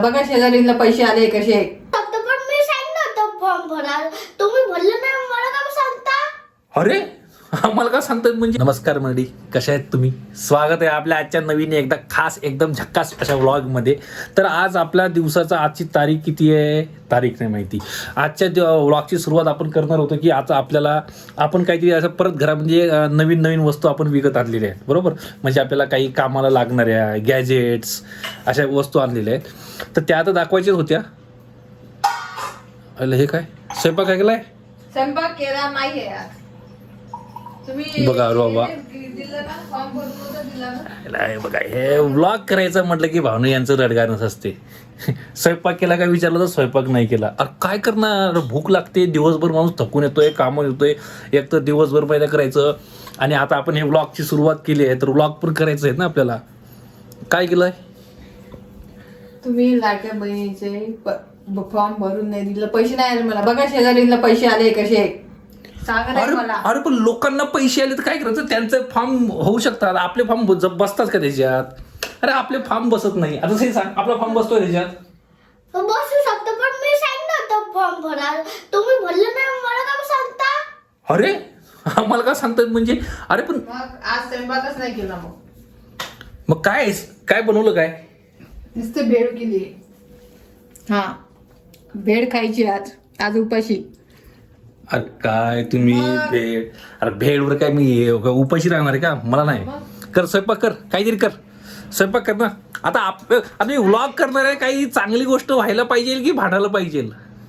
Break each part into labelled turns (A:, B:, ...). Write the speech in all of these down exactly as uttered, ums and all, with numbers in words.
A: बघा शेजारीला पैसे आले कसे.
B: फक्त पण मी सांगितलं होतं फॉर्म भरा, तुम्ही भरलं नाही, मला काय सांगता?
C: अरे आम्हाला का सांगतात म्हणजे. नमस्कार मंडळी, कशा आहेत तुम्ही? स्वागत आहे आपल्या आजच्या नवीन एकदा खास एकदम झक्कास अशा व्लॉग मध्ये. तर आज आपल्या दिवसाचा आजची तारीख किती आहे तारीख नाही माहिती. आजच्या व्लॉगची सुरुवात आपण करणार होतो की आता आपल्याला आपण काहीतरी असं परत घरामध्ये नवीन नवीन वस्तू आपण विकत आणलेल्या आहेत, बरोबर. म्हणजे आपल्याला काही कामाला लागणाऱ्या गॅजेट्स अशा वस्तू आणलेल्या आहेत. तर त्या आता दाखवायच्याच होत्या. अरे हे काय स्वयंपाक काय केलाय?
A: स्वयंपाक केला नाहीये आज तुम्ही.
C: बघा रे बाबा,
A: दिलं ना फॉर्म भरून दिला ना.
C: हे बघा, हे व्लॉग करायचं म्हटलं की भावना यांचं रडगाणच असते. स्वयंपाक केला काय विचारलं तर स्वयंपाक नाही केला. अरे काय करणार, भूक लागते, दिवसभर माणूस थकून येतोय, कामं येतोय, एक तर दिवसभर पहिलं करायचं आणि आता आपण हे व्लॉगची सुरुवात केली आहे तर व्लॉग पण करायचं आहे ना आपल्याला. काय केलंय
A: तुम्ही लाडक्या बहिणीचे फॉर्म भरून नाही दिलं, पैसे नाही आले मला. बघा शेजारीला पैसे आले कसे सांगा नाही
C: अरे
A: मला.
C: अरे पण लोकांना पैसे आले तर काय करायचं, त्यांचे फॉर्म होऊ शकतात, आपले फॉर्म बसतात का त्याच्यात? अरे आपले फॉर्म बसत नाही. आता ते सांग, आपला फॉर्म बसतोय त्याच्यात?
B: बसू शकतो पण मी सांगितलं होतं फॉर्म भरा, तुम्ही भरलं नाही, मला काय सांगता?
C: अरे आम्हाला का सांगतात म्हणजे. अरे पण
A: मग आज स्वयंपाकच नाही केला. मग
C: मग काय काय बनवलं काय?
A: नुसतं भेळ केली. हा भेळ खायची आज आज उपाशी.
C: अरे काय तुम्ही भेळ, अरे भेळवर काय मी उपाशी राहणार आहे का? मला नाही. कर स्वयंपाक कर, काहीतरी कर, स्वयंपाक कर ना. आता आप आता मी व्लॉग करणार आहे, काही चांगली गोष्ट व्हायला पाहिजे की भांडायला पाहिजे?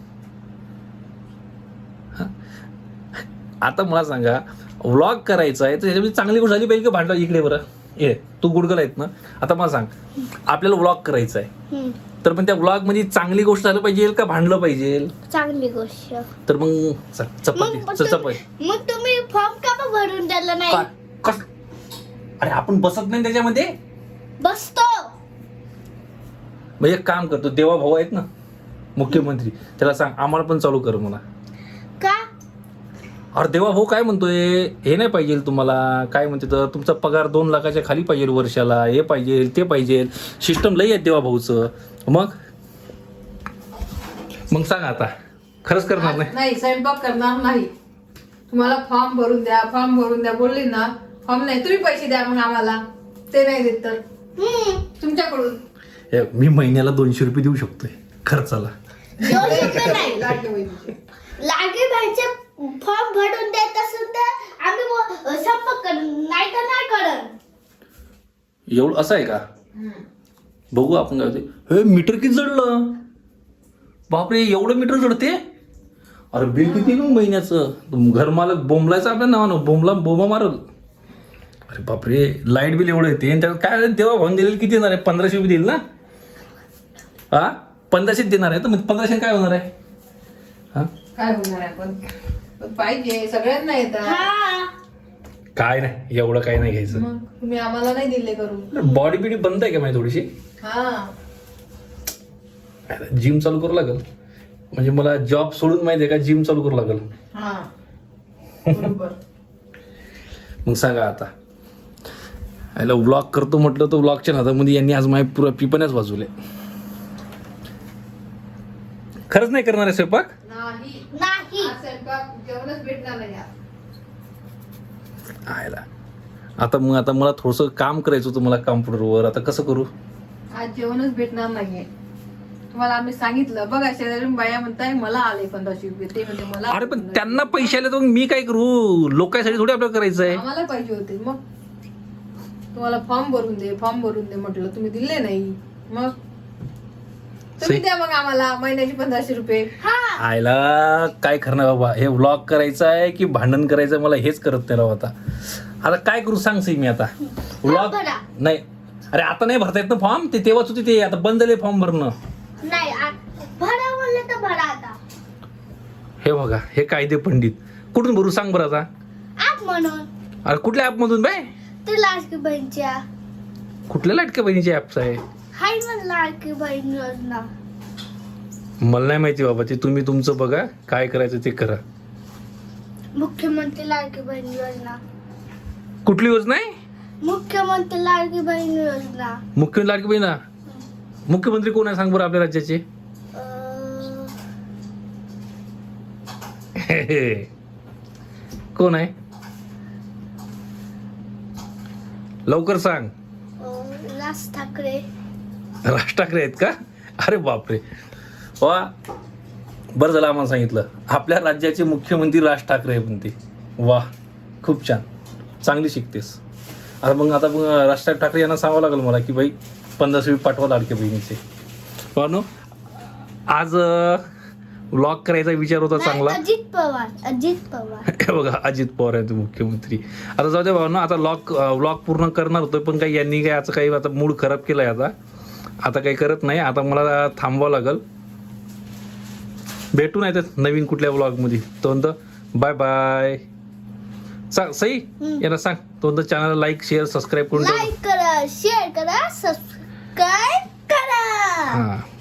C: आता मला सांगा, व्लॉग करायचा आहे तर त्याच्यामध्ये चांगली गोष्ट झाली पाहिजे की भांडला? इकडे बरं ये, तू गुडगल आहेत ना. आता मला सांग, आपल्याला व्लॉग करायचा आहे तर पण त्या व्लॉग मध्ये चांगली गोष्ट झालं पाहिजे का भांडलं पाहिजे?
B: चांगली गोष्ट.
C: तर मग चपाती
B: मग
C: चपाती
B: मग तुम्ही फॉर्म का भरून दिला नाही?
C: काय? कस? अरे आपण बसत नाही त्याच्यामध्ये.
B: बसतो.
C: मग एक काम करतो, देवा भाऊ आहेत ना मुख्यमंत्री, त्याला सांग आम्हाला पण चालू कर मला.
B: का?
C: अरे देवा भाऊ काय म्हणतोय, हे नाही पाहिजे तुम्हाला, काय म्हणते तर तुमचा पगार दोन लाखाच्या खाली पाहिजे वर्षाला, हे पाहिजे ते पाहिजे, सिस्टम लई आहे देवा भाऊचं. मग मग सांग आता, खरंच करणार नाही?
A: नाही स्वयंपाक करणार नाही. तुम्हाला फॉर्म भरून द्या, फॉर्म भरून द्या बोलली ना. फॉर्म नाही, तुम्ही पैसे द्या मग आम्हाला. ते नाही देत तर तुमच्याकडून
C: हे, मी महिन्याला दोनशे रुपये देऊ शकतोय खर्चाला.
B: दोनशे रुपये नाही.
A: लाडक्या बहिणीचे
B: लागे भाईचे फॉर्म भरून देत असेल तर आम्ही व- संपर्क करू, नाही तर नाही करत.
C: एवढं असं आहे का? बघू आपण काय होते. हे मीटर किती जडलं बापरे, एवढं मीटर जडते. अरे बिल किती मग महिन्याचं? घरमालक बोंबलायचं आपल्या नावानं, बोंबला बोंबा मारल. अरे बापरे, लाईट बिल एवढं येते. त्यात काय तेव्हा भाऊन दिलेलं किती येणार आहे? पंधराशे रुपये देईल ना? हा पंधराशेच देणार आहे तर मग पंधराशे काय होणार आहे? हा
A: काय होणार आहे? पण पण पाहिजे, सगळ्यांना येतात.
B: हा.
C: काय नाही, एवढं काय नाही घ्यायचं.
A: मग तुम्ही आम्हाला नाही दिले करून.
C: बॉडी बिडी बंद आहे का माझी थोडीशी?
A: हा
C: जिम चालू करू लागल. म्हणजे मला जॉब सोडून माहिती आहे का, जिम चालू करू लागल.
A: हा बरोबर.
C: मग सांगा आता, याला व्लॉग करतो म्हटलं तर व्लॉगच्या नादामध्ये यांनी आज माझ्या पुरा पिपण्याच वाजवले. खरंच नाही करणार आहे स्वयंपाक?
A: नाही
B: नाही.
A: आज स्वयंपाक जेवणच भेटणार नाही आज.
C: आयला आता मग आता मला थोडंसं काम करायचं होतं मला कॉम्प्युटरवर. आता कसं करू?
A: आज जेवणच भेटणार नाहीये. तुम्हाला आम्ही सांगितलं. बघा शेजारी बाया म्हणताय मला आले पंधराशे रुपये, ते म्हणजे मला.
C: अरे पण त्यांना पैसे आले तर मग मी काय करू? लोकांसाठी थोडी आपल्याला करायचं आहे.
A: आम्हाला पाहिजे होते. मग तुम्हाला फॉर्म भरून दे, फॉर्म भरून दे म्हटलं, तुम्ही दिले नाही. मग तुम्ही द्या मग आम्हाला महिन्याचे पंधराशे रुपये.
C: आयला काय करणार बाबा, हे व्लॉग करायचं आहे की भांडण करायचं मला हेच करत नाही राव. आता आता काय करू सांग सी मी आता. व्लॉग
B: भरा.
C: नाही, अरे आता नाही भरता येत ना फॉर्म. ते तेव्हाच होते, ते आता बंद झाले फॉर्म भरणं.
B: नाही आ- भरा म्हणलं तर भरा आता.
C: हे बघा, हे कायदे पंडित कुठून भरू सांग बरं आता.
B: आप म्हणून
C: अरे कुठल्या ऍप मधून बाय?
B: ते लाडकी बहीणच्या
C: कुठल्या लाटक्या बहिणीचे ऍप्स आहे?
B: हाय म्हणून लाडकी बहीण योजना.
C: मला नाही माहिती बाबा, ते तुम्ही तुमचं बघा, काय करायचं ते करा.
B: मुख्यमंत्री लाडकी बहीण योजना.
C: कुठली योजना आहे?
B: मुख्यमंत्री लाडकी बहीण योजना.
C: मुख्य लाडकी बहिणा मुख्यमंत्री कोण आहे सांग बरं आपल्या राज्याचे?
B: अं,
C: कोण आहे लवकर सांग.
B: अं, राज ठाकरे.
C: राज ठाकरे आहेत का? अरे बापरे वा, बरं झालं आम्हाला सांगितलं. आपल्या राज्याचे मुख्यमंत्री राज ठाकरे आहे म्हणते. वा खूप छान, चांगली शिकतेस. आता मग आता मग राज ठाकरे यांना सांगावं लागेल मला की बाई पंधराशे रुपये पाठवा लाडक्या बहिणीचे. पण आज व्लॉग करायचा विचार होता
B: नाही,
C: चांगला.
B: अजित पवार. अजित पवार.
C: हे बघा अजित पवार आहे तो मुख्यमंत्री. आता जाऊ दे भाऊ ना, आता लॉक व्लॉग पूर्ण करणार होतो पण काही यांनी काही याचं काही आता मूड खराब केलाय. आता आता काही करत नाही. आता मला थांबवावं लागेल. भेटू नाही तर नवीन कुठल्या व्लॉगमध्ये. तो म्हणतो बाय बाय. सांग सई यांना सांग. तो म्हणतो चॅनलला लाईक शेअर सबस्क्राईब करून ठेव.
B: लाईक करा, शेअर करा, सबस्क्राईब करा.
C: हां